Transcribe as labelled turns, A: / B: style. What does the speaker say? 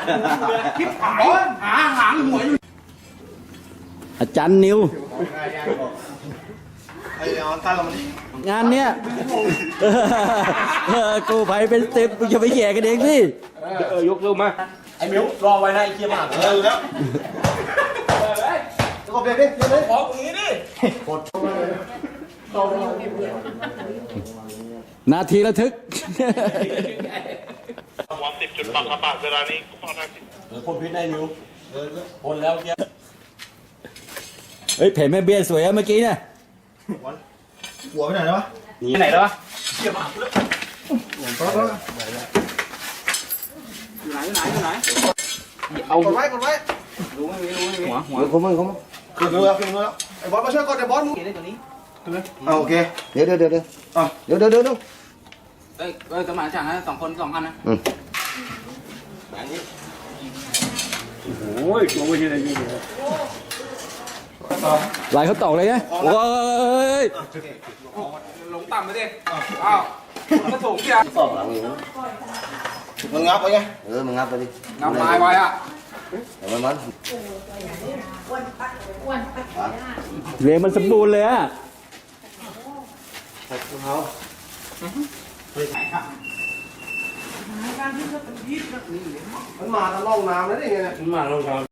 A: คิดหายหางหัวอยู่
B: อาจารย์นิว
C: ไอ้เอาตั้งเรามัน
B: งานเนี้ยกูภัยเป็น10มึงจะไปแย่กันเองสิ
A: ยกเร็วมาไอ้มิวรอไว้นะไอ้เคียมาก
C: แล้วแล้วก็เบียดดิเบียดดิ
A: ขอตรงนี้ดิกด
B: นาทีระทึก
D: หัว10 จุดปักกระบาดเวลานี้ก็พอได้10
A: พ่นพิษได้มิวพ่นแล้วเกี้ย
B: เฮ้ยเพจแม่เบี้ยสวยอะเมื่อกี้เนี่ย
C: หัวไปไหนแล้ววะ
A: นี่ไหนแล้ววะ
C: เอากดไว้กดไว้
A: หัว
C: ขึ้นมือแล้วขึ้นมือแล้วไอ้บอสมาช่วยกดไอ้บอสมึงเอาโอเคเดี๋ยวเอ้ย
A: สมานฉันนะ2 คน 2 อันนะโอ้ยตัวไม่ใช่อะไรนี่
B: ลายเขาตอกเลยไงโอ้ย
A: ลงต่ำไปดิอ้าวกระสูงเชีย
C: มึงงับไปไง
E: มึงงับไปดิ
A: งับไม้ไว้อะ
E: เดี๋ยวมัน
B: เรียงมันสมบูรณ์เลยอะ
C: มันมาทางร่องน้ำแล้วนี่ไง
A: มาลงครับ